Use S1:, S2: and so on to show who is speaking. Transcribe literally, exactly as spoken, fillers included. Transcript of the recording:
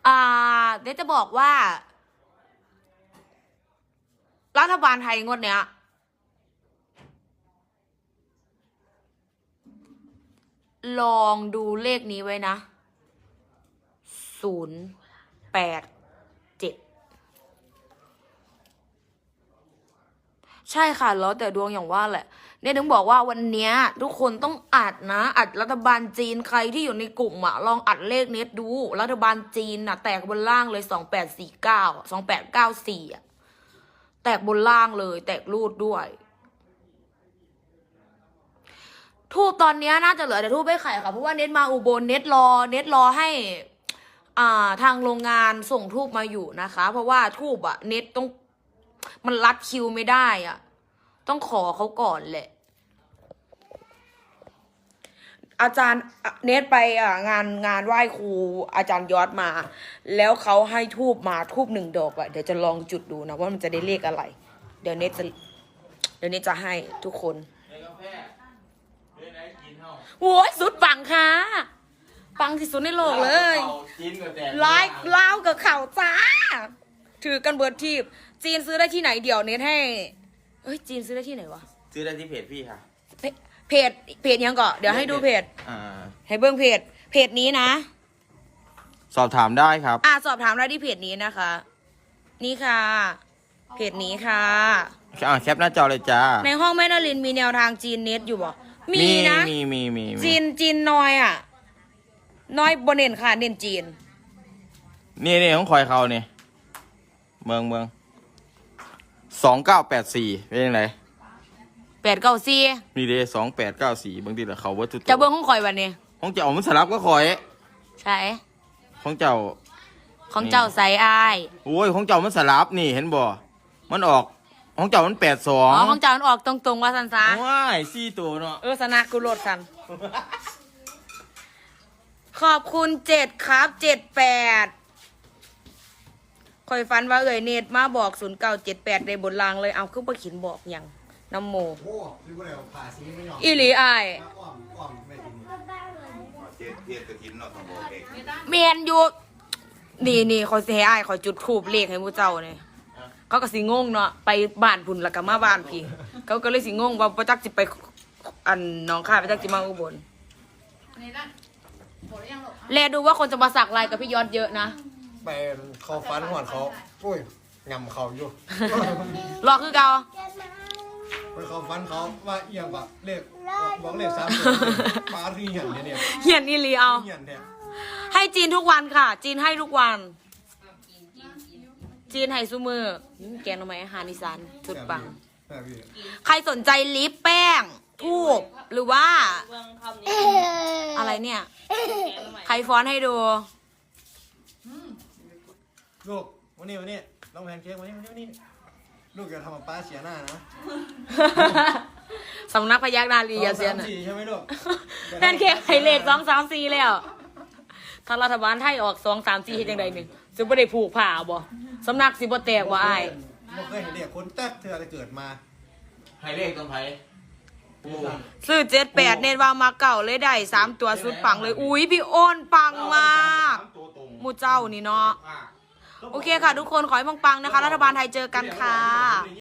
S1: อ่าเดี๋ยวจะบอกว่า รัฐบาลไทยงวดเนี้ยลองดูเลขนี้ไว้นะศูนย์แปดเจ็ดใช่ค่ะแล้วแต่ดวงอย่างว่าแหละเนี่ยถึงบอกว่าวันเนี้ยทุกคนต้องอัดนะอัดรัฐบาลจีนใครที่อยู่ในกลุ่มอะลองอัดเลขเน็ตดูรัฐบาลจีนน่ะแตกบนล่างเลยสองแปดสี่เก้าสองแปดเก้าสี่อะแตกบนล่างเลยแตกรูดด้วยทูบตอนนี้น่าจะเหลือแต่ทูบไม่ไข่ค่ะเพราะว่าเน็ตมาอุบลเน็ตรอเน็ตรอให้อ่าทางโรงงานส่งทูบมาอยู่นะคะเพราะว่าทูบอะเน็ตต้องมันรัดคิวไม่ได้อะต้องขอเขาก่อนแหละอาจารย์เนทไปอ่ะงานงานไหว้ครูอาจารย์ยอดมา แล้วเขาให้ทูบมาทูบหนึ่งดอกอะเดี๋ยวจะลองจุดดูนะว่ามันจะได้เลขอะไร เดี๋ยวเนทจะเดี๋ยวเนทจะให้ทุกคนโว้ยสุดปังค่ะปังที่สุดในโลกเลยไลฟ์เล่ากับข่าวจ้าถือกันเบิร์ดทีบจีนซื้อได้ที่ไหนเดี๋ยวเนทให้เอ้ยจีนซื้อได้ที่ไหนวะ
S2: ซื้อได้ที่เพจพี่ค่ะ
S1: เพจเพจยังก่อนเดี๋ยวให้ดูเพจ
S2: อ่า
S1: ให้เบิ้งเพจเพจนี้นะ
S2: สอบถามได้ครับ
S1: อ่าสอบถามได้ที่เพจนี้นะคะนี่ค่ะเพจนี้ค่ะ
S2: อ่าแคปหน้าจอเลยจ้า
S1: ในห้องแม่นลินมีแนวทางจีนเน็ตอยู่บ่มีนะ
S2: มีมีมี
S1: จีนจีนน้อยอ่ะน้อยบนเน้นค่ะเน้นจีน
S2: นี่นี่ของคอยเขาเนี่ยเมืองเมืองสองเก้าแปดสี่เป็นยังไง
S1: แปดเก้าสี่
S2: นี่เด้สองแปดเก้าสี่บางทีเหรอเขาวัตถุ
S1: จะเบิ้งของคอยวันนี้
S2: ของเจ้ามันสลับก็คอย
S1: ใช่
S2: ของเจ้า
S1: ของเจ้าใส่อาย
S2: โอ้ยของเจ้ามันสลับนี่เห็นบ่มันออกของเจ้ามันแปดสอง
S1: อ๋อของเจ้ามันออกตรงๆว่าสันซา
S2: ว้ายสี่ตัวเนาะ
S1: เออสนะกูโหลดสันขอบคุณเจ็ดครับเจ็ดแปดคอยฟันว่าเอ่ยเนตมาบอกศูนย์เก้าเจ็ดแปดในบนรางเลยเอาขึ้นไปขินบอกยังน้ำโมอีหลีอายเมียนอยู่นี่นี่คอยเสียอายคอยจุดทูบเลขให้มูเจ้าเนี่ยเขาก็สิงงเนาะไปบ้านพุ่นแล้วก็มาบ้านพี่เขาก็เลยสิงงว่าประจักจิไปอันน้องข้าประจักจิมาอุบลแลดูว่าคนจะมาสักลายกับพี่ยอดเยอะนะ
S3: ไปเขาฟันหัวเขาอุ้ยงำเขาอยู่
S1: รอคือเกา
S3: ไปเขาฟันเขาว่าเอียงแบบเลขบอกเลขสามปาที่เหียนเนี่ย
S1: เหียนนี่ลีเอาให้จีนทุกวันค่ะ จีนให้ทุกวันจีนให้ซูมือแกงทำไมอาหารอีสานสุดปังใครสนใจลิปแป้งทูบหรือว่าอะไรเนี่ยใครฟ้อนให้ดู
S3: ลูกวันนี้วันนี้ต้องแพนเค้กวันนี้วันนี้วันนี้ลูกอย่าทำกับป้าเสียหน้านะ
S1: สำนักพยักนาลีอย่าเสียนะ
S3: ใช่ไหมลูก
S1: แพนเค้กไข่เหล็กสองสามสี่แล้วทางรัฐบาลไทยออกสองสามสี่เห็นยังไงหนึ่งจะไม่ได้ผูกผ้าบ่สำนักสิบ่แตกว่าไอ้
S3: ไม่เคยเห็นเด็กคนแตกเธออะไรเกิดมา
S2: ไข่เลขตรงไผ่
S1: ซื้อเจ็ดแปดเน้นว่ามาเก่าเลยได้สามตัวสุดปังเลยอุ้ยพี่โอนปังมากมูเจ้านี่เนาะโอเคค่ะทุกคนขอให้ปังๆนะคะรัฐบาลไทยเจอกันค่ะ